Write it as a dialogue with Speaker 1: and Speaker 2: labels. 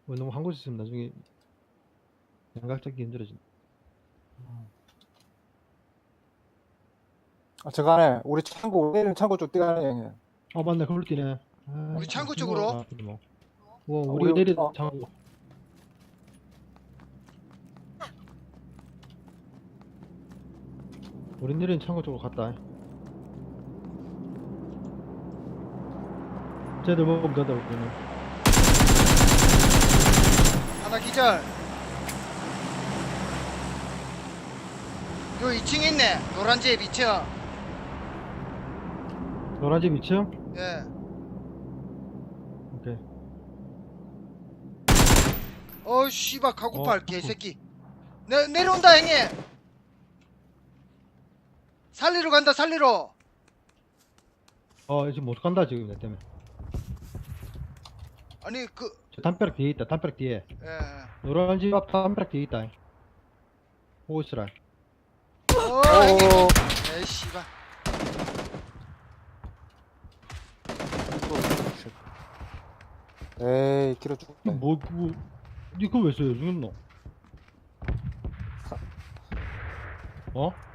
Speaker 1: 너무 한 곳에 있으면 나중에 양각 잡기 힘들어진다.
Speaker 2: 저 안에 우리 창고 내리는 창고 쪽 뛰가네 형님.
Speaker 1: 맞네. 그걸 뛰네. 아,
Speaker 3: 우리 창고
Speaker 1: 이거
Speaker 3: 쪽으로?
Speaker 1: 아프다, 뭐. 우리
Speaker 2: 우리
Speaker 1: 내리
Speaker 2: 어.
Speaker 1: 창고. 우리 내리는 창고 쪽으로 갔다. 쟤들 먹으면 된다, 우리는.
Speaker 3: 하나 기절. 요 2층에 있네. 노란 집 2층.
Speaker 1: 노란 집 2층?
Speaker 3: 예.
Speaker 1: 오케이.
Speaker 3: 씨발 카고팔
Speaker 1: 어,
Speaker 3: 개새끼. 내려온다 형님. 살리러 간다 살리러.
Speaker 1: 지금 못 간다, 지금, 내 때문에.
Speaker 3: 아니
Speaker 1: 저 담벼락 뒤에 있다, 담벼락 뒤에.
Speaker 3: 예.
Speaker 1: 노란 집 앞 담벼락 뒤에 있다. 보고 있으라.
Speaker 3: 형님. 에이 씨발.
Speaker 2: 에이 길어 죽겠다.
Speaker 1: 니 그거 왜 써요? 죽였노?